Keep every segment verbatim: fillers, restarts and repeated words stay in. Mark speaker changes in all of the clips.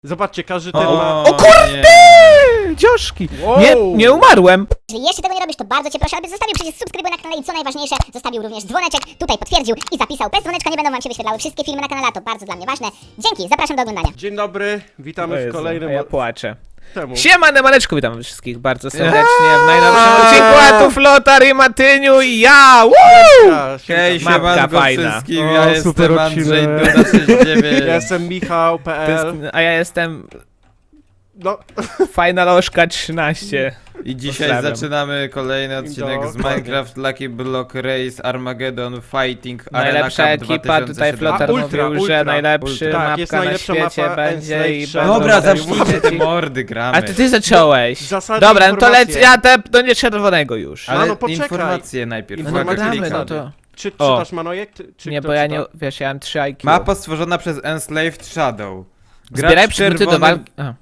Speaker 1: Zobaczcie, każdy ten
Speaker 2: O,
Speaker 1: ma...
Speaker 2: o kurde!
Speaker 3: Dzioszki!
Speaker 1: Wow.
Speaker 3: Nie, nie umarłem!
Speaker 4: Jeżeli jeszcze tego nie robisz, to bardzo cię proszę, abyś zostawił przycisk subskrybuj na kanale i co najważniejsze, zostawił również dzwoneczek, tutaj potwierdził i zapisał. Bez dzwoneczka nie będą wam się wyświetlały wszystkie filmy na kanale, a to bardzo dla mnie ważne. Dzięki, zapraszam do oglądania.
Speaker 1: Dzień dobry, witamy w
Speaker 3: Jezu,
Speaker 1: kolejnym...
Speaker 3: a ja płaczę.
Speaker 1: Temu.
Speaker 3: Siema, Nemaneczku, witam wszystkich bardzo serdecznie w najnowszym odcinku, a tu Flotar i Matyniu i ja! Woo!
Speaker 1: Ja,
Speaker 2: Hej,
Speaker 1: siemka.
Speaker 3: Mapka
Speaker 2: siemanko
Speaker 3: fajna.
Speaker 2: wszystkim,
Speaker 1: O,
Speaker 2: ja
Speaker 1: super
Speaker 2: jestem Andrzej
Speaker 1: odcinek.
Speaker 2: Duda sześćdziesiąt dziewięć.
Speaker 1: Ja jestem Michał kropka p l.
Speaker 3: A ja jestem
Speaker 1: No,
Speaker 3: Fajnalożka trzynaście.
Speaker 2: I dzisiaj
Speaker 3: Pozdrawiam.
Speaker 2: zaczynamy kolejny odcinek z
Speaker 1: Dokładnie.
Speaker 2: Minecraft Lucky Block Race Armageddon Fighting Arena
Speaker 3: Najlepsza
Speaker 2: Cup
Speaker 3: ekipa,
Speaker 2: dwa tysiące
Speaker 3: tutaj
Speaker 2: siedemnaście.
Speaker 3: Flotar
Speaker 1: A, ultra,
Speaker 3: mówił,
Speaker 1: ultra,
Speaker 3: że najlepszy
Speaker 2: ultra.
Speaker 1: Tak,
Speaker 3: mapka
Speaker 1: jest
Speaker 3: na
Speaker 1: najlepsza
Speaker 3: świecie
Speaker 1: mapa
Speaker 3: będzie
Speaker 1: Enslaved
Speaker 3: i
Speaker 1: Shadow.
Speaker 2: Dobra,
Speaker 3: będą
Speaker 2: zacznijcie te mordy, gramy.
Speaker 3: A ty ty zacząłeś.
Speaker 1: Zasady,
Speaker 3: Dobra, no to lec,
Speaker 1: informacje.
Speaker 3: ja te, no nie czerwonego już.
Speaker 2: Ale
Speaker 1: Mano, poczekaj.
Speaker 2: informacje najpierw.
Speaker 3: No
Speaker 1: informacje
Speaker 2: uwaga,
Speaker 3: gramy,
Speaker 2: klikam.
Speaker 3: no to...
Speaker 1: Czy
Speaker 3: O.
Speaker 1: czytasz Manojek? Ty- Czy
Speaker 3: Nie,
Speaker 1: kto
Speaker 3: bo ja
Speaker 1: czyta?
Speaker 3: nie, wiesz, ja mam trzy I Q.
Speaker 2: Mapa stworzona przez Enslaved Shadow. Gracz
Speaker 3: Zbieraj przedmioty do
Speaker 2: czerwonym
Speaker 3: walki... A.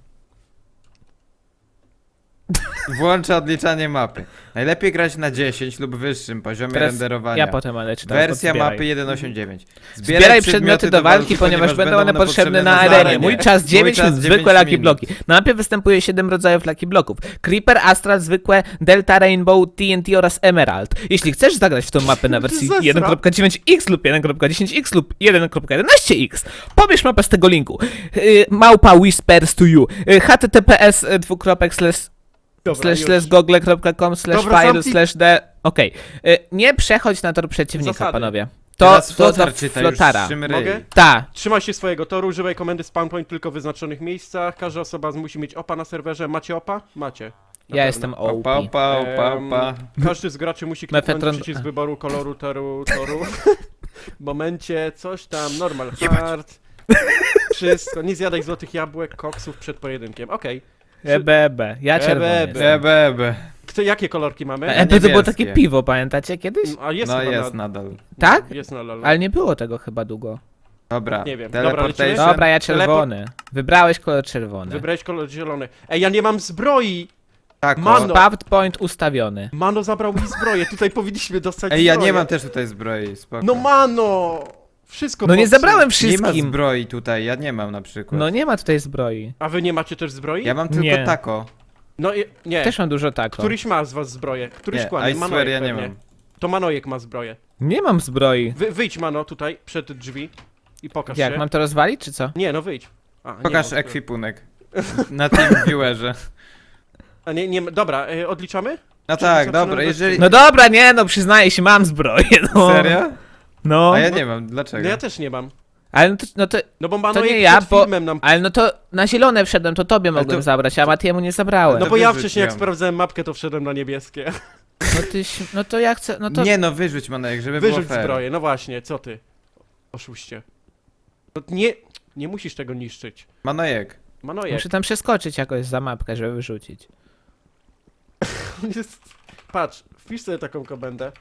Speaker 2: Włącza odliczanie mapy. Najlepiej grać na dziesięć lub wyższym poziomie
Speaker 3: Teraz
Speaker 2: renderowania.
Speaker 3: ja potem ale czytam.
Speaker 2: Wersja
Speaker 3: zbieraj.
Speaker 2: mapy jeden osiemdziesiąt dziewięć.
Speaker 3: Zbieraj przedmioty do walki, ponieważ będą one potrzebne na arenie. Mój czas dziewięć
Speaker 2: czas
Speaker 3: minut, zwykłe
Speaker 2: dziewięć
Speaker 3: Lucky
Speaker 2: minut.
Speaker 3: Bloki. Na mapie występuje siedem rodzajów Lucky Bloków. Creeper, Astral, zwykłe, Delta, Rainbow, T N T oraz Emerald. Jeśli chcesz zagrać w tą mapę na wersji
Speaker 1: Zesra.
Speaker 3: jeden kropka dziewięć X lub jeden kropka dziesięć X lub jeden kropka jedenaście X, pobierz mapę z tego linku. Yy, małpa whispers to you. Yy, https y, dwukropek slash
Speaker 1: Dobra,
Speaker 3: slash
Speaker 1: już.
Speaker 3: slash google kropka com slash
Speaker 1: Dobra,
Speaker 3: file
Speaker 1: zamknij-
Speaker 3: slash d. Okej. Y, Nie przechodź na tor przeciwnika,
Speaker 1: Zasady.
Speaker 3: panowie. To,
Speaker 2: Teraz
Speaker 3: to
Speaker 2: Flotar
Speaker 3: do
Speaker 2: czyta już
Speaker 3: Flotara.
Speaker 2: szym ryj.
Speaker 1: Mogę?
Speaker 3: Ta.
Speaker 1: Trzymaj się swojego toru, używaj komendy spawn point tylko w wyznaczonych miejscach. Każda osoba musi mieć opa na serwerze. Macie opa? Macie. Na
Speaker 3: Ja
Speaker 1: pewno.
Speaker 3: jestem O
Speaker 2: Opa,
Speaker 3: P.
Speaker 2: opa, opa,
Speaker 1: Em,
Speaker 2: opa.
Speaker 1: Każdy z graczy musi kliknąć
Speaker 3: Mefetron-
Speaker 1: przycisk wyboru koloru toru, toru. W momencie coś tam, normal hard. Wszystko, nie zjadaj złotych jabłek, koksów przed pojedynkiem. Okej.
Speaker 3: E B B. Ja czerwony
Speaker 1: E B
Speaker 3: jestem.
Speaker 1: B.
Speaker 2: Ebe, ebe.
Speaker 1: Kto, jakie kolorki mamy?
Speaker 3: E B to było
Speaker 2: niebieskie.
Speaker 3: takie piwo, pamiętacie kiedyś?
Speaker 1: A jest
Speaker 2: No
Speaker 1: chyba
Speaker 2: jest
Speaker 1: na...
Speaker 2: nadal.
Speaker 3: Tak?
Speaker 1: Jest na lol.
Speaker 3: Ale nie było tego chyba długo.
Speaker 2: Dobra,
Speaker 1: Nie wiem. Dobra,
Speaker 2: teleportation.
Speaker 1: lecimy?
Speaker 3: Dobra, ja czerwony. Wybrałeś kolor czerwony.
Speaker 1: Wybrałeś kolor zielony. Ej, ja nie mam zbroi!
Speaker 2: Tak, o.
Speaker 1: Mano.
Speaker 3: Spawn point ustawiony.
Speaker 1: Mano zabrał mi zbroję, tutaj powinniśmy dostać
Speaker 2: Ej, ja
Speaker 1: zbroję.
Speaker 2: nie mam też tutaj zbroi, spoko.
Speaker 1: No mano! Wszystko
Speaker 3: No nie
Speaker 1: popsuł.
Speaker 3: zabrałem
Speaker 2: Nie ma
Speaker 3: wszystkim.
Speaker 2: zbroi tutaj, ja nie mam na przykład.
Speaker 3: No nie ma tutaj zbroi.
Speaker 1: A wy nie macie też zbroi?
Speaker 2: Ja mam tylko
Speaker 3: Nie.
Speaker 2: tako.
Speaker 1: No i... nie.
Speaker 3: Też mam dużo tako.
Speaker 1: Któryś ma z was zbroję. Któryś
Speaker 2: Nie,
Speaker 1: kłamie.
Speaker 2: I swear,
Speaker 1: Manojek
Speaker 2: ja nie
Speaker 1: pewnie.
Speaker 2: mam.
Speaker 1: To Manojek ma zbroję.
Speaker 3: Nie mam zbroi.
Speaker 1: Wy, wyjdź Mano tutaj, przed drzwi i pokaż
Speaker 3: Jak,
Speaker 1: się.
Speaker 3: mam to rozwalić, czy co?
Speaker 1: Nie, no wyjdź. A, nie
Speaker 2: Pokaż
Speaker 1: ma-
Speaker 2: ekwipunek. Na tym viewerze.
Speaker 1: A nie, nie, dobra, y, odliczamy?
Speaker 2: No
Speaker 1: Czy
Speaker 2: tak,
Speaker 1: zaczynamy
Speaker 2: dobra,
Speaker 1: bez-
Speaker 2: jeżeli...
Speaker 3: No dobra, nie no, przyznaję się, mam zbroję, no.
Speaker 2: Serio?
Speaker 3: No.
Speaker 2: A ja nie mam, dlaczego?
Speaker 1: No ja też nie mam.
Speaker 3: Ale no to, no to,
Speaker 1: No bo Manojek
Speaker 3: nie ja,
Speaker 1: przed
Speaker 3: bo-
Speaker 1: filmem nam...
Speaker 3: ale no to na zielone wszedłem, to tobie mogłem
Speaker 2: to-
Speaker 3: zabrać, a Matiemu nie zabrałem.
Speaker 1: No
Speaker 2: to
Speaker 1: bo ja
Speaker 2: wyrzuć
Speaker 1: wcześniej jak
Speaker 2: ją.
Speaker 1: sprawdzałem mapkę, to wszedłem na niebieskie.
Speaker 3: No ty, no to ja chcę, no to...
Speaker 2: Nie no, wyrzuć Manojek, żeby
Speaker 1: Wyrzuć
Speaker 2: było fair.
Speaker 1: zbroję, no właśnie, co ty? Oszuście. No nie, nie musisz tego niszczyć.
Speaker 2: Manojek.
Speaker 1: Manojek,
Speaker 3: Muszę tam przeskoczyć jakoś za mapkę, żeby wyrzucić.
Speaker 1: on jest... Patrz, wpisz sobie taką komendę.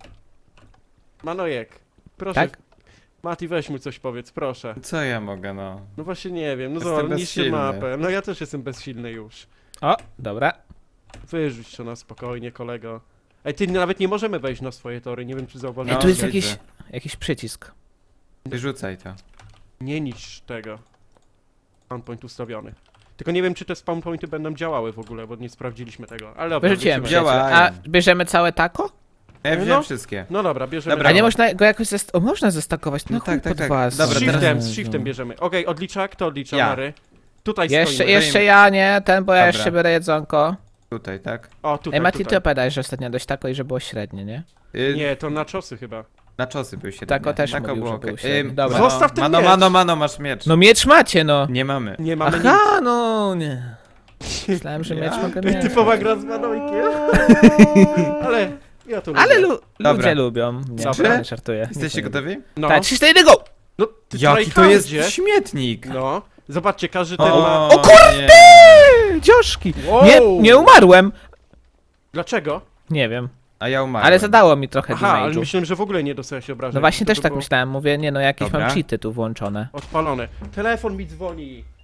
Speaker 1: Manojek, proszę.
Speaker 3: Tak?
Speaker 1: Mati, weź mu coś powiedz, proszę.
Speaker 2: Co ja mogę, no?
Speaker 1: No właśnie nie wiem, no
Speaker 2: Jestem
Speaker 1: zobacz, niszczy
Speaker 2: bezsilny.
Speaker 1: mapę. No ja też jestem bezsilny już.
Speaker 3: O, dobra.
Speaker 1: Wyrzuć to na spokojnie, kolego. Ej, ty nawet nie możemy wejść na swoje tory, nie wiem czy
Speaker 3: Ej,
Speaker 1: zauważyłeś.
Speaker 2: No,
Speaker 3: tu jest
Speaker 2: widzę.
Speaker 3: jakiś, jakiś przycisk.
Speaker 2: Wyrzucaj to.
Speaker 1: Nie niszcz tego. Spawn point ustawiony. Tylko nie wiem czy te spawn pointy będą działały w ogóle, bo nie sprawdziliśmy tego. Ale dobra,
Speaker 3: Wyrzuciłem
Speaker 1: wrócimy.
Speaker 2: Działa.
Speaker 3: przyjaciel. A bierzemy całe tako?
Speaker 2: Ja
Speaker 1: No.
Speaker 2: wziąłem wszystkie.
Speaker 1: No dobra, bierzemy.
Speaker 2: Dobra.
Speaker 3: A nie
Speaker 1: to.
Speaker 3: można go jakoś zest... O, można zestakować, no,
Speaker 2: No
Speaker 3: chuj
Speaker 2: tak, tak,
Speaker 3: pod
Speaker 2: tak.
Speaker 3: was.
Speaker 2: Dobra,
Speaker 1: Z
Speaker 2: teraz-
Speaker 1: shiftem, z shiftem bierzemy. Okej, odlicza, kto odlicza,
Speaker 2: Ja.
Speaker 1: Mary? Tutaj
Speaker 3: Jeszcze,
Speaker 1: stoimy.
Speaker 3: jeszcze ja, nie, ten, bo ja
Speaker 2: Dobra.
Speaker 3: jeszcze biorę jedzonko.
Speaker 2: Tutaj, tak?
Speaker 1: O, tutaj,
Speaker 3: Ej, Mati, ty
Speaker 1: tutaj.
Speaker 3: opowiadałeś, że ostatnio dość tako i że było średnie, nie?
Speaker 2: Y,
Speaker 1: Nie, to na czosy chyba.
Speaker 2: Na czosy był średni.
Speaker 3: Tako też mówił,
Speaker 2: było
Speaker 3: że
Speaker 2: okej.
Speaker 3: był średni.
Speaker 2: Ym,
Speaker 3: Dobra.
Speaker 2: Mano,
Speaker 1: Zostaw ten
Speaker 2: mano,
Speaker 1: miecz.
Speaker 2: mano, mano, masz miecz.
Speaker 3: No miecz macie, no.
Speaker 2: Nie mamy.
Speaker 1: Nie mamy nic.
Speaker 3: Aha, no nie. Myślałem, że
Speaker 2: Ja?
Speaker 3: miecz mogę
Speaker 1: Ty
Speaker 3: mieć.
Speaker 1: typowa gra z Manojkiem. Ale ja to lubię.
Speaker 3: Ale lu
Speaker 2: Dobra.
Speaker 3: ludzie lubią. Nie,
Speaker 1: Dobra.
Speaker 3: nie żartuję.
Speaker 2: Jesteście gotowi?
Speaker 1: No,
Speaker 3: Tak, trzy, cztery, go!
Speaker 1: no ty
Speaker 2: Jaki to jest
Speaker 1: tryhardzie.
Speaker 2: śmietnik!
Speaker 1: No, zobaczcie, każdy ten
Speaker 2: O,
Speaker 1: ma...
Speaker 3: O kurde!
Speaker 2: nie.
Speaker 3: Dzioszki!
Speaker 1: Wow.
Speaker 3: Nie, nie umarłem!
Speaker 1: Dlaczego?
Speaker 3: Nie wiem.
Speaker 2: A ja umarłem.
Speaker 3: Ale zadało mi trochę
Speaker 1: Aha, ale
Speaker 3: damage'u.
Speaker 1: myślałem, że w ogóle nie dostałeś obrażeń.
Speaker 3: No właśnie
Speaker 1: To
Speaker 3: też
Speaker 1: by
Speaker 3: tak
Speaker 1: było
Speaker 3: myślałem, mówię, nie no, jakieś
Speaker 2: Dobra.
Speaker 3: mam cheaty tu włączone.
Speaker 1: Odpalone. Telefon mi dzwoni.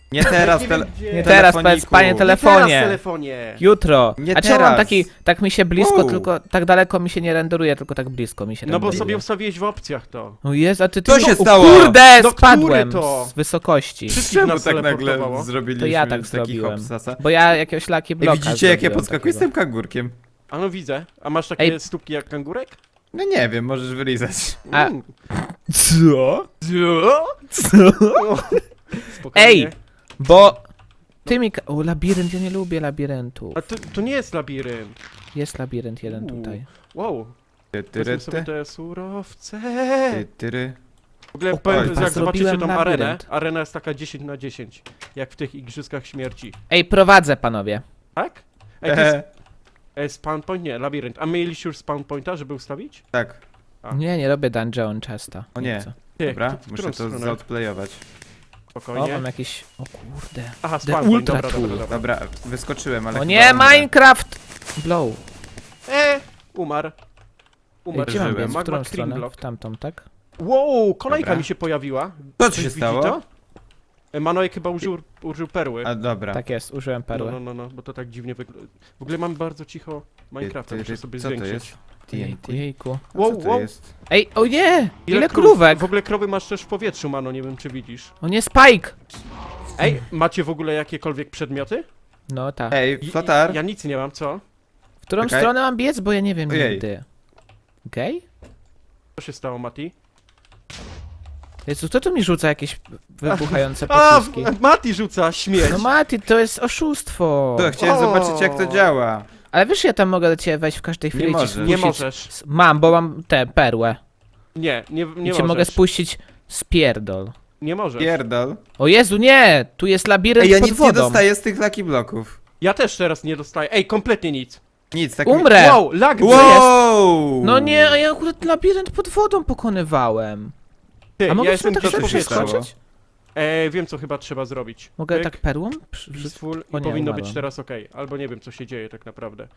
Speaker 2: Nie teraz,
Speaker 1: Nie
Speaker 2: tele...
Speaker 1: wiem, gdzie.
Speaker 3: Nie teraz,
Speaker 2: telefoniku.
Speaker 3: powiedz, panie
Speaker 2: Nie
Speaker 1: Nie teraz w
Speaker 3: telefonie.
Speaker 1: telefonie.
Speaker 3: Jutro.
Speaker 2: Nie
Speaker 3: A czemu mam
Speaker 2: teraz.
Speaker 3: taki, tak mi się blisko,
Speaker 2: Wow.
Speaker 3: tylko tak daleko mi się nie renderuje, tylko tak blisko mi się
Speaker 1: No
Speaker 3: renderuje.
Speaker 1: bo sobie ustawiłeś w opcjach to.
Speaker 3: O Jezu, a ty... ty
Speaker 2: Co się
Speaker 3: o,
Speaker 2: stało?
Speaker 3: Kurde,
Speaker 1: No,
Speaker 3: spadłem
Speaker 1: który to?
Speaker 3: z wysokości.
Speaker 1: Wszystkich
Speaker 2: Czemu
Speaker 1: nas
Speaker 2: tak nagle
Speaker 1: teleportowało.
Speaker 2: zrobiliśmy
Speaker 3: To ja tak
Speaker 2: z takich
Speaker 3: zrobiłem.
Speaker 2: hopsasa?
Speaker 3: Bo ja jakiegoś laki
Speaker 2: Ej,
Speaker 3: bloka
Speaker 2: widzicie jak ja
Speaker 3: zrobiłem
Speaker 2: podskakuję z
Speaker 3: takiego.
Speaker 2: tym kangurkiem?
Speaker 1: A no widzę. A masz takie
Speaker 3: Ej.
Speaker 1: stópki jak kangurek?
Speaker 2: No nie wiem, możesz wylizać.
Speaker 3: A-
Speaker 1: Mm.
Speaker 3: Co?
Speaker 1: Co?
Speaker 3: Co?
Speaker 1: Spokojnie.
Speaker 3: Ej! Bo... Ty mi... ka- O, labirynt, ja nie lubię labiryntu.
Speaker 1: A to, to nie jest labirynt.
Speaker 3: Jest labirynt jeden
Speaker 1: Uuu.
Speaker 3: tutaj.
Speaker 1: Wow.
Speaker 2: Ty, tyry,
Speaker 1: Weźmy sobie
Speaker 2: ty,
Speaker 1: te surowce.
Speaker 2: ty, tyry.
Speaker 1: W ogóle
Speaker 3: O,
Speaker 1: powiem,
Speaker 3: kurwa,
Speaker 1: jak zobaczycie
Speaker 3: zrobiłem
Speaker 1: tą arenę,
Speaker 3: labirynt.
Speaker 1: arena jest taka dziesięć na dziesięć. Jak w tych igrzyskach śmierci.
Speaker 3: Ej, prowadzę, panowie.
Speaker 1: Tak? Ej, to jest
Speaker 2: Ehe,
Speaker 1: e, spawn point? Nie, labirynt. A mieliście już spawn pointa, żeby ustawić?
Speaker 2: tak,
Speaker 1: A.
Speaker 3: Nie, nie robię dungeon często.
Speaker 2: O nie.
Speaker 3: chcę.
Speaker 1: Ty,
Speaker 2: dobra,
Speaker 1: w- w którą
Speaker 2: muszę to
Speaker 1: stronę?
Speaker 2: zaodplayować.
Speaker 3: O,
Speaker 1: Spokojnie.
Speaker 3: mam jakiś... O kurde.
Speaker 1: Aha,
Speaker 3: The
Speaker 1: spawn point,
Speaker 3: ultra
Speaker 1: dobra, dobra,
Speaker 3: tool.
Speaker 1: dobra.
Speaker 2: Dobra, wyskoczyłem, ale
Speaker 3: O
Speaker 2: chyba
Speaker 3: nie,
Speaker 2: umrę.
Speaker 3: Minecraft! Blow.
Speaker 1: E, umarł.
Speaker 3: Ej,
Speaker 1: Umarł.
Speaker 3: gdzie mam
Speaker 2: żyłem.
Speaker 3: biec? W
Speaker 1: Magma
Speaker 3: którą
Speaker 1: cream
Speaker 3: stronę?
Speaker 1: block.
Speaker 3: W tamtą, tak?
Speaker 1: Wow, kolejka
Speaker 2: Dobra.
Speaker 1: mi się pojawiła.
Speaker 2: Co
Speaker 1: Ktoś
Speaker 2: ci się
Speaker 1: widzi
Speaker 2: stało?
Speaker 1: to? E, Manojek chyba użył, użył perły.
Speaker 2: A dobra.
Speaker 3: Tak jest, użyłem
Speaker 1: No,
Speaker 3: perły.
Speaker 1: no, no, no, bo to tak dziwnie wygląda. W ogóle mam bardzo cicho Minecrafta,
Speaker 2: Ty, ty,
Speaker 1: muszę sobie
Speaker 2: co to
Speaker 1: zwiększyć.
Speaker 2: jest?
Speaker 3: Jejku,
Speaker 2: T N T.
Speaker 3: jejku.
Speaker 2: A
Speaker 1: Wow,
Speaker 2: co to
Speaker 1: wow.
Speaker 2: jest?
Speaker 3: Ej, o nie! Ile,
Speaker 1: krów?
Speaker 3: krówek!
Speaker 1: W ogóle krowy masz też w powietrzu, Mano, nie wiem czy widzisz.
Speaker 3: O nie, Spike!
Speaker 1: Ej, macie w ogóle jakiekolwiek przedmioty?
Speaker 3: No tak.
Speaker 2: Ej,
Speaker 1: I-
Speaker 2: Flotar!
Speaker 1: Ja nic nie mam, co?
Speaker 3: W którą
Speaker 2: czekaj.
Speaker 3: stronę mam biec, bo ja nie wiem
Speaker 2: Ojej.
Speaker 3: nigdy. Okej?
Speaker 1: Co się stało, Mati?
Speaker 3: Jezu, kto tu mi rzuca jakieś wybuchające
Speaker 1: A,
Speaker 3: pociski?
Speaker 1: w- Mati rzuca śmierć!
Speaker 3: No Mati, to jest oszustwo!
Speaker 2: To, chciałem
Speaker 1: O.
Speaker 2: zobaczyć jak to działa.
Speaker 3: Ale wiesz, ja tam mogę do ciebie wejść w każdej chwili i ci
Speaker 2: możesz.
Speaker 3: spuścić...
Speaker 1: Nie możesz.
Speaker 3: s- Mam, bo mam tę perłę.
Speaker 1: Nie, nie, nie
Speaker 3: I cię
Speaker 1: możesz.
Speaker 3: mogę spuścić z pierdol.
Speaker 1: Nie możesz.
Speaker 2: Pierdol.
Speaker 3: O Jezu, nie! Tu jest labirynt
Speaker 2: Ej, ja
Speaker 3: pod
Speaker 2: nic
Speaker 3: wodą.
Speaker 2: nie dostaję z tych Lucky Bloków.
Speaker 1: Ja też teraz nie dostaję. Ej, kompletnie nic.
Speaker 2: Nic, tak
Speaker 3: Umrę!
Speaker 1: Wow, lag
Speaker 2: Mi...
Speaker 1: jest.
Speaker 2: Wow!
Speaker 3: No nie, a ja akurat labirynt pod wodą pokonywałem.
Speaker 1: Ty,
Speaker 3: A mogę
Speaker 1: ja
Speaker 3: w
Speaker 1: jestem
Speaker 3: sumie tak
Speaker 1: gdzieś w
Speaker 2: szybko
Speaker 3: szybko
Speaker 1: powietrzu.
Speaker 2: stało?
Speaker 3: skoczyć?
Speaker 1: E, wiem co chyba trzeba zrobić.
Speaker 3: Mogę
Speaker 1: Pyk,
Speaker 3: tak perłą? Przy- przy-
Speaker 1: peaceful
Speaker 3: O
Speaker 1: i
Speaker 3: nie,
Speaker 1: powinno być
Speaker 3: umarłem.
Speaker 1: teraz ok. Albo nie wiem co się dzieje tak naprawdę.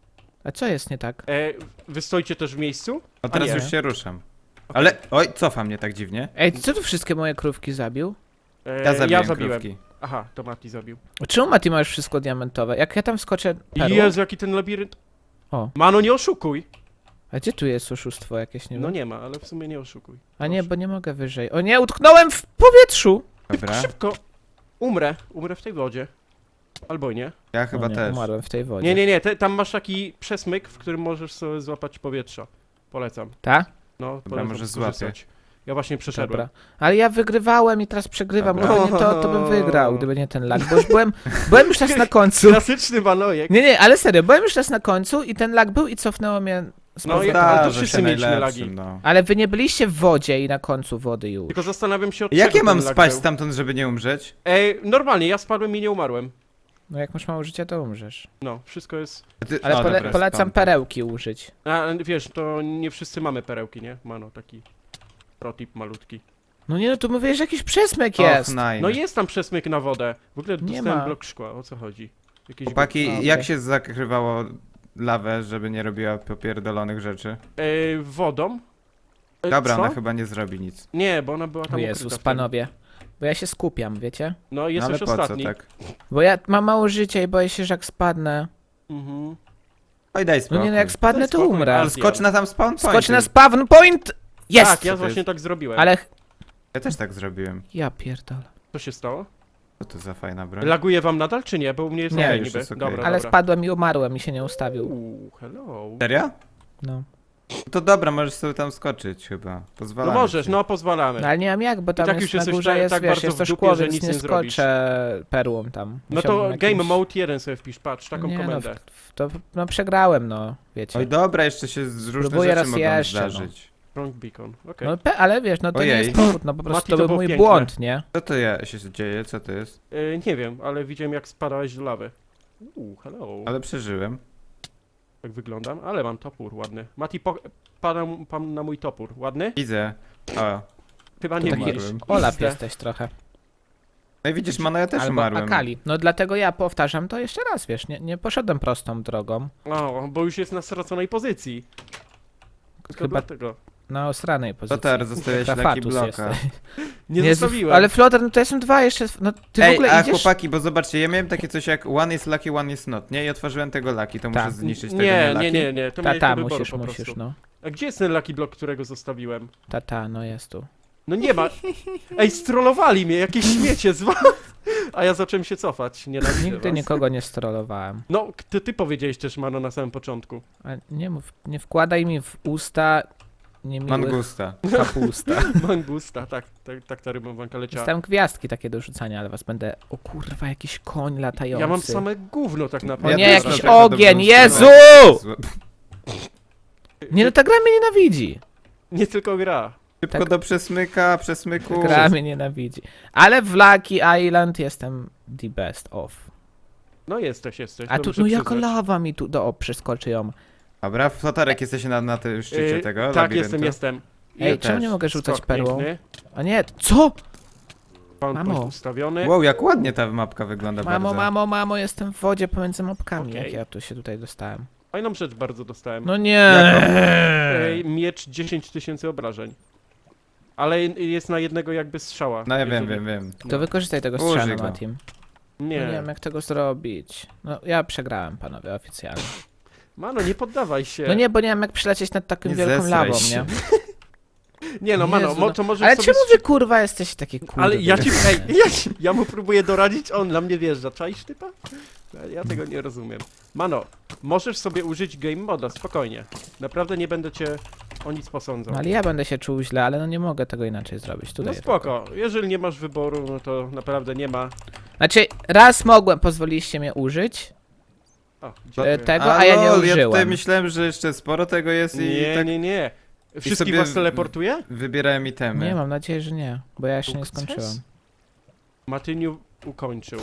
Speaker 3: A co jest nie tak?
Speaker 1: E, wy stoicie też w miejscu?
Speaker 2: O, teraz
Speaker 1: nie.
Speaker 2: już się ruszam. Ale, oj, cofa mnie tak dziwnie.
Speaker 3: Ej, co tu wszystkie moje krówki zabił?
Speaker 1: E,
Speaker 2: Ja zabiłem,
Speaker 1: ja zabiłem.
Speaker 2: krówki.
Speaker 1: Aha, to Mati zabił.
Speaker 3: Czemu Mati ma już wszystko diamentowe? Jak ja tam wskoczę perłą?
Speaker 1: Jezu, jaki ten labirynt.
Speaker 3: O.
Speaker 1: Mano, nie oszukuj.
Speaker 3: A gdzie tu jest oszustwo jakieś, nie
Speaker 1: No
Speaker 3: wiem?
Speaker 1: nie ma, ale w sumie nie oszukuj.
Speaker 3: A nie,
Speaker 1: proszę.
Speaker 3: bo nie mogę wyżej. O nie, utknąłem w powietrzu!
Speaker 2: Dobra,
Speaker 1: Szybko. Umrę. Umrę w tej wodzie. Albo nie.
Speaker 2: ja chyba
Speaker 3: o nie,
Speaker 2: też.
Speaker 3: umarłem w tej wodzie.
Speaker 1: Nie, nie, nie. Te, tam masz taki przesmyk, w którym możesz sobie złapać powietrza. Polecam.
Speaker 3: Ta?
Speaker 1: No, polecam
Speaker 2: może
Speaker 1: skorzystać. Ja właśnie przeszedłem.
Speaker 3: Dobra. Ale ja wygrywałem i teraz przegrywam.
Speaker 2: Dobra.
Speaker 3: Gdyby nie to, to bym wygrał, gdyby nie ten lag. Bo już byłem, byłem już raz na końcu.
Speaker 1: Klasyczny Manojek.
Speaker 3: Nie, nie, ale serio, byłem już raz na końcu i ten lag był i cofnęło mnie z
Speaker 1: No,
Speaker 3: powrotem.
Speaker 1: ja- ale to
Speaker 2: Zdarza
Speaker 1: wszyscy
Speaker 2: się
Speaker 1: mieliśmy
Speaker 2: najlepszym,
Speaker 1: lagi.
Speaker 2: no.
Speaker 3: Ale wy nie byliście w wodzie i na końcu wody już.
Speaker 1: Tylko zastanawiam się od
Speaker 2: Jak
Speaker 1: czego
Speaker 2: ja mam
Speaker 1: ten lag
Speaker 2: spaść
Speaker 1: był.
Speaker 2: stamtąd, żeby nie umrzeć?
Speaker 1: Ej, normalnie, ja spadłem i nie umarłem.
Speaker 3: No jak masz mało życia, to umrzesz.
Speaker 1: No, wszystko jest...
Speaker 2: A ty-
Speaker 3: Ale
Speaker 2: o,
Speaker 3: pole,
Speaker 2: dobra,
Speaker 3: polecam
Speaker 2: stąd.
Speaker 3: perełki użyć.
Speaker 1: A, wiesz, to nie wszyscy mamy perełki, nie? Mano, taki protip malutki.
Speaker 3: No nie, no tu mówię, że jakiś przesmyk
Speaker 2: Och,
Speaker 3: jest.
Speaker 2: nine.
Speaker 1: No jest tam przesmyk na wodę. W ogóle
Speaker 3: Nie
Speaker 1: dostałem
Speaker 3: ma.
Speaker 1: blok szkła, o co chodzi? Jakieś
Speaker 2: Chłopaki,
Speaker 3: A, okej.
Speaker 2: jak się zakrywało lawę, żeby nie robiła popierdolonych rzeczy?
Speaker 1: Ej, wodą? E,
Speaker 2: Dobra,
Speaker 1: co?
Speaker 2: ona chyba nie zrobi nic.
Speaker 1: Nie, bo ona była
Speaker 3: O
Speaker 1: tam
Speaker 3: Jezus,
Speaker 1: ukryta w tym.
Speaker 3: panowie. Bo ja się skupiam, wiecie?
Speaker 1: No,
Speaker 2: No, ale
Speaker 1: jesteś
Speaker 2: po co
Speaker 1: ostatni.
Speaker 2: tak?
Speaker 3: Bo ja mam mało życia i boję się, że jak spadnę...
Speaker 1: Mhm.
Speaker 2: Oj, daj
Speaker 3: No
Speaker 2: spokój.
Speaker 3: nie, no jak spadnę,
Speaker 1: Daj
Speaker 3: to
Speaker 1: spokój,
Speaker 3: umrę.
Speaker 2: Ale skocz na tam spawn point.
Speaker 3: Skocz na spawn point! Jest!
Speaker 1: Tak, ja
Speaker 2: to
Speaker 1: właśnie
Speaker 2: jest?
Speaker 1: tak zrobiłem.
Speaker 3: Ale...
Speaker 2: Ja też tak zrobiłem.
Speaker 3: Ja pierdolę.
Speaker 1: Co się stało?
Speaker 2: Co to za fajna broń?
Speaker 1: Laguje wam nadal, czy nie? Bo u mnie jest
Speaker 3: Nie,
Speaker 1: okej
Speaker 2: już
Speaker 1: niby.
Speaker 2: jest okej.
Speaker 1: Dobra,
Speaker 3: Ale
Speaker 1: dobra.
Speaker 3: spadłem i umarłem i się nie ustawił.
Speaker 1: Uuu, hello.
Speaker 2: Serio?
Speaker 3: No.
Speaker 2: To dobra, możesz sobie tam skoczyć chyba.
Speaker 1: No
Speaker 2: Pozwalam.
Speaker 1: możesz, no pozwalamy.
Speaker 3: No ale nie mam jak, bo tam
Speaker 1: tak
Speaker 3: jest
Speaker 1: już
Speaker 3: na
Speaker 1: jesteś
Speaker 3: górze
Speaker 1: tak-
Speaker 3: jest,
Speaker 1: tak
Speaker 3: wiesz,
Speaker 1: bardzo
Speaker 3: jest to
Speaker 1: w dupie,
Speaker 3: szkło,
Speaker 1: że
Speaker 3: więc
Speaker 1: nic
Speaker 3: nie
Speaker 1: nie zrobisz.
Speaker 3: skoczę perłą tam.
Speaker 1: No to
Speaker 3: Musiałbym
Speaker 1: Game
Speaker 3: jakimś-
Speaker 1: Mode jeden sobie wpisz, patrz, taką
Speaker 3: Nie, no,
Speaker 1: komendę.
Speaker 3: w, w to, no przegrałem, no, wiecie.
Speaker 2: Oj dobra, jeszcze się z różne
Speaker 3: Spróbuję
Speaker 2: rzeczy
Speaker 3: raz
Speaker 2: mogą
Speaker 3: jeszcze, no.
Speaker 2: zdarzyć.
Speaker 1: Wrong beacon, okej.
Speaker 3: No, pe, ale wiesz, no to nie
Speaker 2: Ojej.
Speaker 3: jest powód, no po prostu
Speaker 1: Mati,
Speaker 3: to
Speaker 1: to
Speaker 3: był
Speaker 1: było
Speaker 3: mój
Speaker 1: piękne.
Speaker 3: błąd, nie?
Speaker 2: Co to ja się dzieje? Co to jest?
Speaker 1: Y, nie wiem, ale widziałem jak spadałeś do lawy. Uuu, hello.
Speaker 2: Ale przeżyłem.
Speaker 1: Tak wyglądam, ale mam topór ładny. Mati, po, padam pan na mój topór. Ładny?
Speaker 2: Widzę. O.
Speaker 1: Chyba
Speaker 3: To
Speaker 1: nie
Speaker 3: taki
Speaker 1: widzisz.
Speaker 3: Olaf
Speaker 1: Pizdę.
Speaker 3: jesteś trochę.
Speaker 2: No i widzisz, Mano, ja też
Speaker 3: Albo
Speaker 2: umarłem.
Speaker 3: Akali. No dlatego ja powtarzam to jeszcze raz, wiesz, nie, nie poszedłem prostą drogą.
Speaker 1: O, bo już jest na straconej pozycji. Tylko
Speaker 3: Chyba-
Speaker 1: dlatego.
Speaker 3: na osranej pozycji.
Speaker 2: Flotar, zostawiałeś Lucky
Speaker 3: Trafatus
Speaker 2: Bloka.
Speaker 3: jesteś.
Speaker 1: Nie
Speaker 3: Jezu,
Speaker 1: zostawiłem.
Speaker 3: Ale Flotar, no to ja są dwa jeszcze, no ty w
Speaker 2: Ej,
Speaker 3: ogóle
Speaker 2: a
Speaker 3: idziesz...
Speaker 2: chłopaki, bo zobaczcie, ja miałem takie coś jak one is lucky, one is not, nie? I otworzyłem tego lucky, to muszę
Speaker 3: Tak.
Speaker 2: zniszczyć tego
Speaker 1: Nie,
Speaker 2: nie
Speaker 1: nie,
Speaker 2: lucky.
Speaker 1: nie, nie, to
Speaker 3: Ta,
Speaker 1: miałeś
Speaker 3: ta,
Speaker 1: do wyboru
Speaker 3: musisz,
Speaker 1: po
Speaker 3: musisz,
Speaker 1: prostu.
Speaker 3: no.
Speaker 1: A gdzie jest ten Lucky Block, którego zostawiłem?
Speaker 3: Ta, ta, no jest tu.
Speaker 1: No nie ma. Ej, strollowali mnie, jakieś śmiecie z was. A ja zacząłem się cofać, nienawidzę
Speaker 3: Nigdy
Speaker 1: was.
Speaker 3: nikogo nie strollowałem.
Speaker 1: No, ty, ty powiedziałeś też, Mano, na samym początku.
Speaker 3: A nie mów, nie wkładaj mi w usta niemiłych
Speaker 2: Mangusta.
Speaker 3: kapusta.
Speaker 1: Mangusta, tak, tak, tak ta rymowanka leciała.
Speaker 3: Dostałem gwiazdki takie do rzucania, ale was będę... O kurwa, jakiś koń latający.
Speaker 1: Ja mam same gówno tak
Speaker 3: O
Speaker 1: naprawdę.
Speaker 3: nie,
Speaker 2: też
Speaker 3: jakiś
Speaker 2: mam taką
Speaker 3: ogień,
Speaker 2: dobrą
Speaker 3: Jezu!
Speaker 2: stronę.
Speaker 3: Nie no, ta gra mnie nienawidzi.
Speaker 1: Nie tylko gra.
Speaker 2: Szybko
Speaker 3: Tak.
Speaker 2: do przesmyka, przesmyku.
Speaker 3: Gra mnie nienawidzi. Ale w Lucky Island jestem the best of.
Speaker 1: No jesteś, jesteś.
Speaker 3: A tu,
Speaker 1: dobrze
Speaker 3: no jaka
Speaker 1: przyznać.
Speaker 3: lawa mi tu... Do, o, przeskoczy ją.
Speaker 2: Dobra, Flotarek, jesteś na, na tym szczycie
Speaker 1: Yy,
Speaker 2: tego
Speaker 1: Tak,
Speaker 2: labiryntu?
Speaker 1: jestem, jestem.
Speaker 3: Ej,
Speaker 1: I
Speaker 3: czemu
Speaker 2: też.
Speaker 3: nie mogę rzucać
Speaker 1: skok
Speaker 3: perłą?
Speaker 1: piękny.
Speaker 3: A nie, co?
Speaker 1: Spawn
Speaker 3: Mamo.
Speaker 1: point ustawiony.
Speaker 2: Wow, jak ładnie ta mapka wygląda
Speaker 3: Mamo,
Speaker 2: bardzo.
Speaker 3: mamo, mamo, jestem w wodzie pomiędzy mapkami.
Speaker 1: Okej.
Speaker 3: Jak ja tu się tutaj dostałem?
Speaker 1: Fajną rzecz bardzo dostałem.
Speaker 3: No nie.
Speaker 2: Jaką?
Speaker 1: Ej, miecz dziesięć tysięcy obrażeń. Ale jest na jednego jakby strzała.
Speaker 2: No ja wiem,
Speaker 1: jeżeli-
Speaker 2: wiem, wiem.
Speaker 3: To wykorzystaj tego
Speaker 2: Użyj
Speaker 3: strzału,
Speaker 2: go.
Speaker 3: Matim. No
Speaker 1: Nie.
Speaker 3: nie wiem jak tego zrobić. No ja przegrałem, panowie, oficjalnie.
Speaker 1: Mano, nie poddawaj się.
Speaker 3: No nie, bo nie wiem jak przylecieć nad taką
Speaker 2: Nie
Speaker 3: wielką
Speaker 2: zesraj
Speaker 3: lawą,
Speaker 2: się.
Speaker 3: nie?
Speaker 1: Nie no, Mano,
Speaker 3: Jezu,
Speaker 1: mo,
Speaker 3: no.
Speaker 1: to możesz
Speaker 3: Ale
Speaker 1: sobie
Speaker 3: czemu
Speaker 1: strzy-
Speaker 3: wy kurwa jesteście takie kurwa?
Speaker 1: Ale ja ci, ej, ja, ci- ja mu próbuję doradzić, on dla mnie wjeżdża. Czaisz typa? Ja tego nie rozumiem. Mano, możesz sobie użyć game moda, spokojnie. Naprawdę nie będę cię o nic posądzał.
Speaker 3: No, ale ja będę się czuł źle, ale no nie mogę tego inaczej zrobić.
Speaker 1: No
Speaker 3: Tutaj
Speaker 1: spoko, jeżeli nie masz wyboru, no to naprawdę nie ma.
Speaker 3: Znaczy, raz mogłem, pozwoliliście mnie użyć
Speaker 1: O,
Speaker 3: e,
Speaker 1: dziękuję.
Speaker 3: tego, a, ja nie
Speaker 2: lol, Ja tutaj
Speaker 3: użyłem.
Speaker 2: myślałem, że jeszcze sporo tego jest i
Speaker 1: Nie,
Speaker 2: tak
Speaker 1: nie, nie. Wszystkich
Speaker 2: sobie
Speaker 1: was
Speaker 2: w-
Speaker 1: teleportuje?
Speaker 2: wybierałem itemy.
Speaker 3: Nie, mam nadzieję, że nie, bo ja jeszcze nie
Speaker 1: Sukces?
Speaker 3: skończyłem.
Speaker 1: Matyniu ukończył.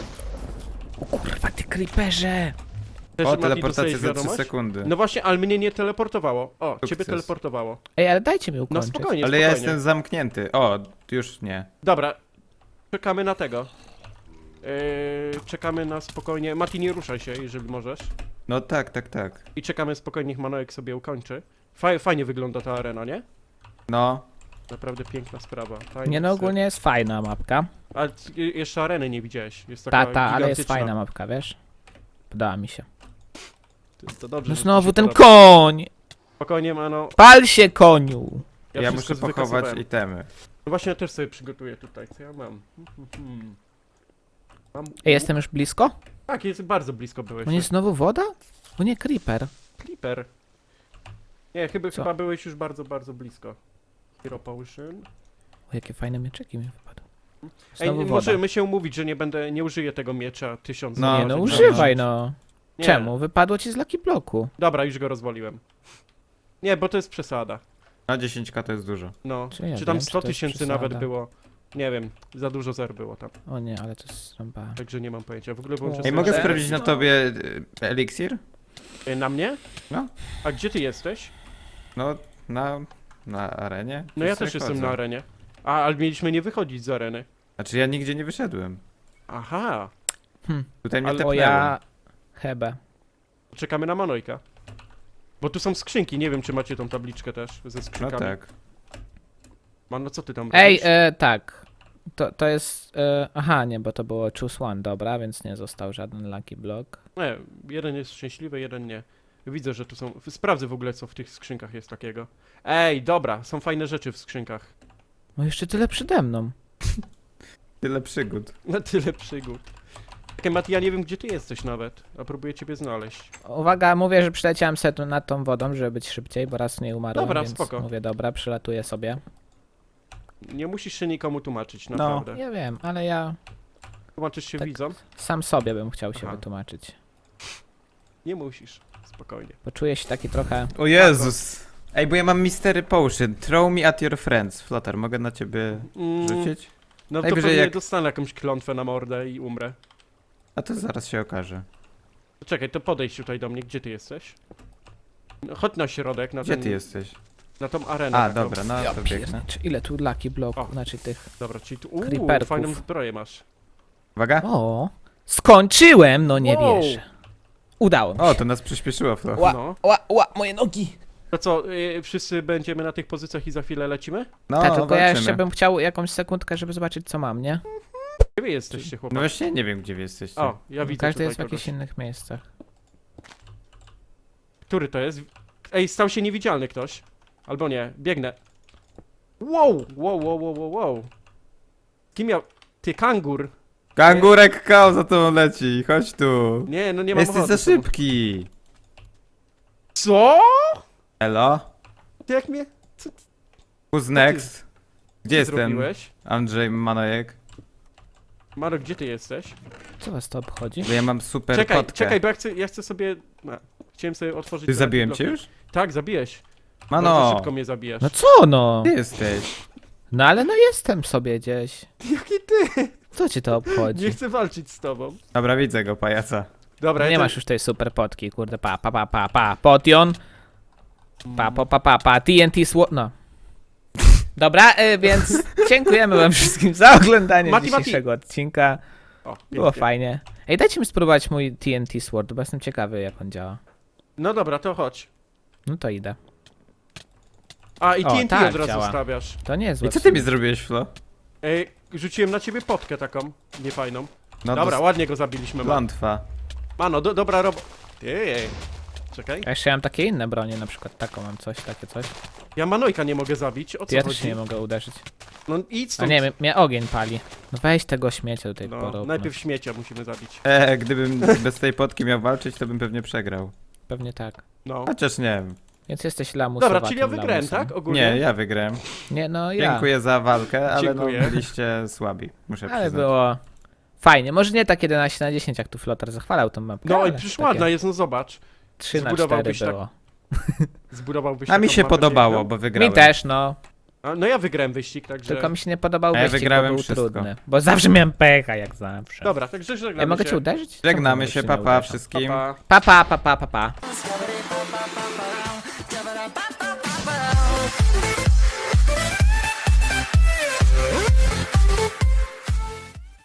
Speaker 3: O kurwa, ty creeperze!
Speaker 1: Też
Speaker 2: O,
Speaker 1: Mati
Speaker 2: teleportacja
Speaker 1: dostajesz
Speaker 2: za trzy
Speaker 1: wiadomość?
Speaker 2: sekundy.
Speaker 1: No właśnie, ale mnie nie teleportowało. O, ciebie
Speaker 2: Sukces.
Speaker 1: teleportowało.
Speaker 3: Ej, ale dajcie mi
Speaker 1: No
Speaker 3: ukończyć.
Speaker 1: spokojnie,
Speaker 2: Ale
Speaker 1: spokojnie.
Speaker 2: ja jestem zamknięty. O, już nie.
Speaker 1: Dobra, czekamy na tego. Yy, czekamy na spokojnie. Mati, nie ruszaj się, jeżeli możesz.
Speaker 2: No tak, tak, tak.
Speaker 1: I czekamy spokojnie, niech Manojek sobie ukończy. Faj, fajnie wygląda ta arena, nie?
Speaker 2: No.
Speaker 1: Naprawdę piękna sprawa. Fajnie
Speaker 3: Nie no, ogólnie jest fajna mapka.
Speaker 1: Ale c- jeszcze areny nie widziałeś. Jest taka
Speaker 3: Ta, ta, ale jest
Speaker 1: gigantyczna.
Speaker 3: fajna mapka, wiesz? Podoba mi się.
Speaker 1: To, to dobrze,
Speaker 3: No
Speaker 1: że ci
Speaker 3: znowu
Speaker 1: się
Speaker 3: ten
Speaker 1: podoba.
Speaker 3: koń!
Speaker 1: Spokojnie, Mano.
Speaker 3: Pal się, koniu!
Speaker 1: Ja,
Speaker 2: Ja,
Speaker 1: wszystko
Speaker 2: muszę pochować
Speaker 1: wykasowałem.
Speaker 2: itemy.
Speaker 1: No właśnie, ja też sobie przygotuję tutaj, co ja mam. Hmm. Mam...
Speaker 3: Ej, jestem już blisko?
Speaker 1: Tak, jest bardzo blisko byłeś.
Speaker 3: On jest znowu woda? O nie, creeper.
Speaker 1: Clipper. Nie, chyba,
Speaker 3: Co?
Speaker 1: chyba byłeś już bardzo, bardzo blisko. Hero Potion.
Speaker 3: O, jakie fajne mieczyki mi wypadły.
Speaker 1: Ej,
Speaker 3: Znowu woda.
Speaker 1: możemy się umówić, że nie będę, nie użyję tego miecza tysiąc
Speaker 2: No,
Speaker 3: Nie
Speaker 1: razy.
Speaker 3: no,
Speaker 2: Dobra.
Speaker 3: używaj no.
Speaker 1: Nie.
Speaker 3: Czemu? Wypadło ci z Lucky Bloku.
Speaker 1: Dobra, już go rozwaliłem. Nie, bo to jest przesada.
Speaker 2: A dziesięć ka to jest dużo.
Speaker 1: No,
Speaker 3: Czy ja
Speaker 1: czy tam
Speaker 3: wiem, czy
Speaker 1: sto
Speaker 3: to jest
Speaker 1: tysięcy
Speaker 3: przesada?
Speaker 1: nawet było. Nie wiem, za dużo zer było tam,
Speaker 3: O nie, ale to jest rąba.
Speaker 1: także nie mam pojęcia. W ogóle włączę
Speaker 3: Ej,
Speaker 2: Ej,
Speaker 1: sobie
Speaker 2: mogę
Speaker 3: Dobrze.
Speaker 2: sprawdzić na
Speaker 3: No.
Speaker 2: tobie y, eliksir?
Speaker 1: Y, Na mnie?
Speaker 2: No.
Speaker 1: A gdzie ty jesteś?
Speaker 2: No, na, na arenie?
Speaker 1: No ja
Speaker 2: Już
Speaker 1: też
Speaker 2: sobie
Speaker 1: jestem
Speaker 2: chodzę.
Speaker 1: na arenie. A, ale mieliśmy nie wychodzić z areny.
Speaker 2: Znaczy ja nigdzie nie wyszedłem.
Speaker 1: Aha,
Speaker 2: Tutaj mnie
Speaker 1: Ale-
Speaker 3: O
Speaker 2: tepnęło.
Speaker 3: ja... Hebe.
Speaker 1: czekamy na Manojka. Bo tu są skrzynki, nie wiem czy macie tą tabliczkę też ze
Speaker 2: No
Speaker 1: skrzynkami.
Speaker 2: tak.
Speaker 1: Mano, co ty tam
Speaker 3: Ej,
Speaker 1: robisz?
Speaker 3: e, tak. To, to jest... E, aha, nie, bo to było choose one, dobra, więc nie został żaden Lucky Block.
Speaker 1: Nie, jeden jest szczęśliwy, jeden nie. Widzę, że tu są... Sprawdzę w ogóle co w tych skrzynkach jest takiego. Ej, dobra, są fajne rzeczy w skrzynkach.
Speaker 3: No jeszcze tyle przede mną.
Speaker 2: Tyle przygód.
Speaker 1: Na tyle przygód. Okej, Mati, ja nie wiem gdzie ty jesteś nawet, a próbuję ciebie znaleźć.
Speaker 3: Uwaga, mówię, że przyleciałem sobie tu nad tą wodą, żeby być szybciej, bo raz nie umarłem,
Speaker 1: Dobra,
Speaker 3: więc
Speaker 1: spoko.
Speaker 3: mówię, dobra, przylatuję sobie.
Speaker 1: Nie musisz się nikomu tłumaczyć,
Speaker 2: No.
Speaker 1: naprawdę.
Speaker 3: Ja wiem, ale ja
Speaker 1: Tłumaczysz się
Speaker 3: Tak.
Speaker 1: widzom?
Speaker 3: sam sobie bym chciał się
Speaker 1: Aha.
Speaker 3: wytłumaczyć.
Speaker 1: Nie musisz, spokojnie.
Speaker 3: Poczuję się taki trochę...
Speaker 2: O Jezus! Ej, bo ja mam Mystery Potion. Throw me at your friends. Flotar, mogę na ciebie
Speaker 1: Mm,
Speaker 2: rzucić?
Speaker 1: no to
Speaker 2: Najwyżej
Speaker 1: pewnie
Speaker 2: jak-
Speaker 1: dostanę jakąś klątwę na mordę i umrę.
Speaker 2: A to zaraz się okaże.
Speaker 1: Czekaj, to podejdź tutaj do mnie, gdzie ty jesteś? No, chodź na środek, na
Speaker 2: Gdzie
Speaker 1: ten,
Speaker 2: ty jesteś?
Speaker 1: na tą arenę.
Speaker 2: A,
Speaker 1: taką.
Speaker 2: dobra, no
Speaker 3: Ja
Speaker 2: to biegnę.
Speaker 3: pierniczę, ile tu Lucky Blocków,
Speaker 1: O.
Speaker 3: znaczy tych...
Speaker 1: Dobra, czyli tu, uuu,
Speaker 3: Creeperków.
Speaker 1: fajną zbroję masz.
Speaker 2: Uwaga.
Speaker 3: O, skończyłem, no nie
Speaker 1: Wow.
Speaker 3: wierzę. Udało mi
Speaker 2: O,
Speaker 3: się.
Speaker 2: to nas przyspieszyło, Flo.
Speaker 3: Ła,
Speaker 1: No.
Speaker 3: ła, ła, moje nogi.
Speaker 1: To co, y, wszyscy będziemy na tych pozycjach i za chwilę lecimy?
Speaker 2: No,
Speaker 3: Tak, tylko ja
Speaker 2: walczymy.
Speaker 3: jeszcze bym chciał jakąś sekundkę, żeby zobaczyć co mam, nie?
Speaker 1: Gdzie wy jesteście,
Speaker 2: No
Speaker 1: chłopaki?
Speaker 2: właśnie nie wiem, gdzie wy jesteście.
Speaker 1: O, ja widzę
Speaker 3: Każdy
Speaker 1: tutaj
Speaker 3: jest w
Speaker 1: kogoś.
Speaker 3: jakichś innych miejscach.
Speaker 1: Który to jest? Ej, stał się niewidzialny ktoś. Albo nie, biegnę. Wow, wow, wow, wow, wow, wow. Kim miał... Ty, kangur.
Speaker 2: Kangurek Kao za tobą leci, chodź tu.
Speaker 1: Nie, no nie mam
Speaker 2: Jesteś
Speaker 1: ochoty
Speaker 2: za
Speaker 1: z tobą.
Speaker 2: szybki.
Speaker 1: Co?
Speaker 2: Elo?
Speaker 1: Ty jak mnie... Co ty
Speaker 2: Who's next? Gdzie jest ten
Speaker 1: zrobiłeś?
Speaker 2: Andrzej Manojek?
Speaker 1: Maro, gdzie ty jesteś?
Speaker 3: Co was to obchodzi?
Speaker 2: Bo ja mam super
Speaker 1: Czekaj,
Speaker 2: potkę.
Speaker 1: czekaj, bo ja chcę, ja chcę sobie... No, chciałem sobie otworzyć...
Speaker 2: Ty
Speaker 1: te
Speaker 2: zabiłem
Speaker 1: bloki.
Speaker 2: cię już?
Speaker 1: Tak, zabiłeś. Bardzo
Speaker 2: Mano,
Speaker 1: szybko mnie zabijasz.
Speaker 3: No co no?
Speaker 2: gdzie jesteś?
Speaker 3: No ale no jestem sobie gdzieś.
Speaker 1: Jaki ty?
Speaker 3: Co ci to obchodzi?
Speaker 1: Nie chcę walczyć z tobą.
Speaker 2: Dobra, widzę go, pajaca.
Speaker 1: Dobra,
Speaker 3: Nie
Speaker 1: ja
Speaker 3: masz już tej super potki, kurde, pa, pa, pa, pa, pa, potion. Pa, pa, pa, pa, pa, T N T sło... no. Dobra, y, więc dziękujemy wam wszystkim za oglądanie
Speaker 1: Mati, Mati.
Speaker 3: dzisiejszego odcinka.
Speaker 1: O,
Speaker 3: Było
Speaker 1: pięknie.
Speaker 3: fajnie. Ej, dajcie mi spróbować mój T N T Sword, bo jestem ciekawy jak on działa.
Speaker 1: No dobra, to chodź.
Speaker 3: No to idę.
Speaker 1: A, i
Speaker 3: O,
Speaker 1: T N T
Speaker 3: tak
Speaker 1: od razu
Speaker 3: działa.
Speaker 1: stawiasz.
Speaker 3: To nie jest
Speaker 2: I
Speaker 3: złe
Speaker 2: co
Speaker 3: w
Speaker 2: ty
Speaker 3: sumie.
Speaker 2: mi zrobiłeś, Flo?
Speaker 1: Ej, rzuciłem na ciebie potkę taką, niefajną.
Speaker 2: No
Speaker 1: Dobra,
Speaker 2: dos-
Speaker 1: ładnie go zabiliśmy. Man.
Speaker 2: Klątwa.
Speaker 1: Mano, do, dobra robo... Ej, czekaj.
Speaker 3: Ja jeszcze mam takie inne bronie, na przykład taką mam coś, takie coś.
Speaker 1: Ja Manojka nie mogę zabić, o co
Speaker 3: Ty ja
Speaker 1: chodzi?
Speaker 3: też nie mogę uderzyć.
Speaker 1: No idź
Speaker 3: A
Speaker 1: stąd.
Speaker 3: nie, mnie, mnie ogień pali. No weź tego śmiecia do tej
Speaker 1: No,
Speaker 3: pory.
Speaker 1: najpierw śmiecia musimy zabić.
Speaker 2: E, gdybym bez tej potki miał walczyć, to bym pewnie przegrał.
Speaker 3: Pewnie tak.
Speaker 1: No.
Speaker 2: Chociaż nie wiem.
Speaker 3: Więc jesteś lamusowatym
Speaker 1: Dobra, czyli ja wygrałem,
Speaker 3: lamusem.
Speaker 1: tak? Ogólnie?
Speaker 2: Nie, ja wygrałem.
Speaker 3: Nie, no ja.
Speaker 2: Dziękuję za walkę, ale
Speaker 1: Dziękuję.
Speaker 2: no byliście słabi, muszę
Speaker 3: Ale
Speaker 2: przyznać.
Speaker 3: było fajnie. Może nie tak jedenaście na dziesięć, jak tu Flotar zachwalał tą mapkę.
Speaker 1: No i
Speaker 3: ale
Speaker 1: przecież
Speaker 3: takie
Speaker 1: ładna jest, no zobacz.
Speaker 3: trzy na cztery
Speaker 1: zbudowałbyś tak-
Speaker 3: było.
Speaker 1: Zbudowałbyś
Speaker 2: A mi
Speaker 1: taką
Speaker 2: się
Speaker 1: mapę
Speaker 2: podobało,
Speaker 1: piękną.
Speaker 2: bo wygrałem.
Speaker 3: Mi też, no.
Speaker 1: A, no ja wygrałem wyścig, także...
Speaker 3: Tylko mi się nie podobał
Speaker 2: A ja
Speaker 3: wyścig,
Speaker 2: wygrałem
Speaker 3: bo był
Speaker 2: wszystko.
Speaker 3: trudny. Bo zawsze miałem pecha, jak zawsze.
Speaker 1: Dobra, także żegnamy
Speaker 3: Ja mogę
Speaker 1: się.
Speaker 3: cię uderzyć?
Speaker 2: Żegnamy
Speaker 3: Czemu
Speaker 2: się,
Speaker 3: nie
Speaker 2: papa
Speaker 3: uderzam?
Speaker 2: wszystkim.
Speaker 1: Pa, pa.
Speaker 3: Pa, pa, pa, pa, pa, pa.